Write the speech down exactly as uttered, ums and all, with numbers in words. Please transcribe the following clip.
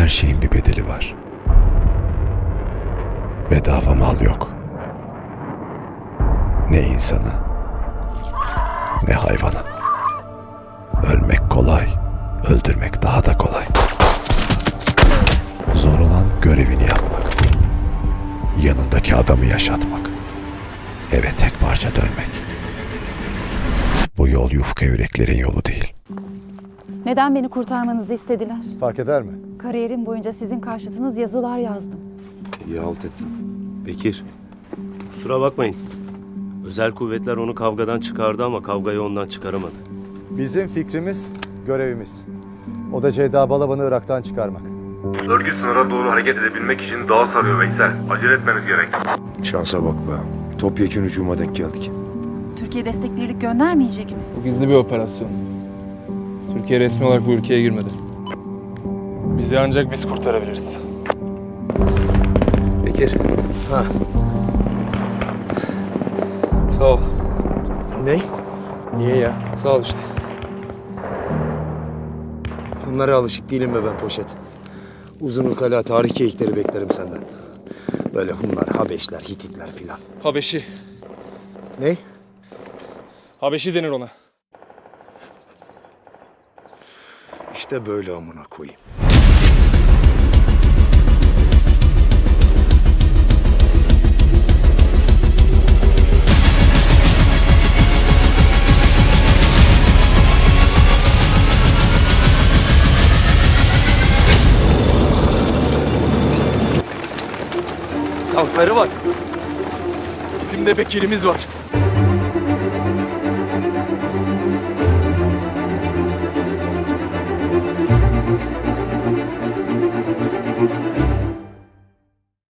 her şeyin bir bedeli var. Bedava mal yok. Ne insana, ne hayvana. Ölmek kolay, öldürmek daha da kolay. Zor olan görevini yapmak. Yanındaki adamı yaşatmak. Eve tek parça dönmek. Bu yol yufka yüreklerin yolu değil. Neden beni kurtarmanızı istediler? Fark eder mi? Kariyerim boyunca sizin karşıtınız yazılar yazdım. İyi halt ettin. Bekir. Kusura bakmayın. Özel kuvvetler onu kavgadan çıkardı ama kavgayı ondan çıkaramadı. Bizim fikrimiz, görevimiz. O da Ceyda Balaban'ı Irak'tan çıkarmak. Örgüt sınıra doğru hareket edebilmek için dağa sarıyor Veysel. Acele etmeniz gerek. Şansa bak be. Topyekun hücuma denk geldik. Türkiye destek birlik göndermeyecek mi? Bu gizli bir operasyon. Türkiye resmi olarak bu ülkeye girmedi. Bizi ancak biz kurtarabiliriz. Bekir. Ha. Sağ ol. Ne? Niye ya? Sağ ol işte. Bunlara alışık değilim be ben poşet. Uzun ukala tarih keyikleri beklerim senden. Böyle Hunlar, Habeşler, Hititler filan. Habeşi. Ne? Habeşi denir ona. İşte böyle amına koyayım. Tankları var. Bizim de Bekir'imiz var.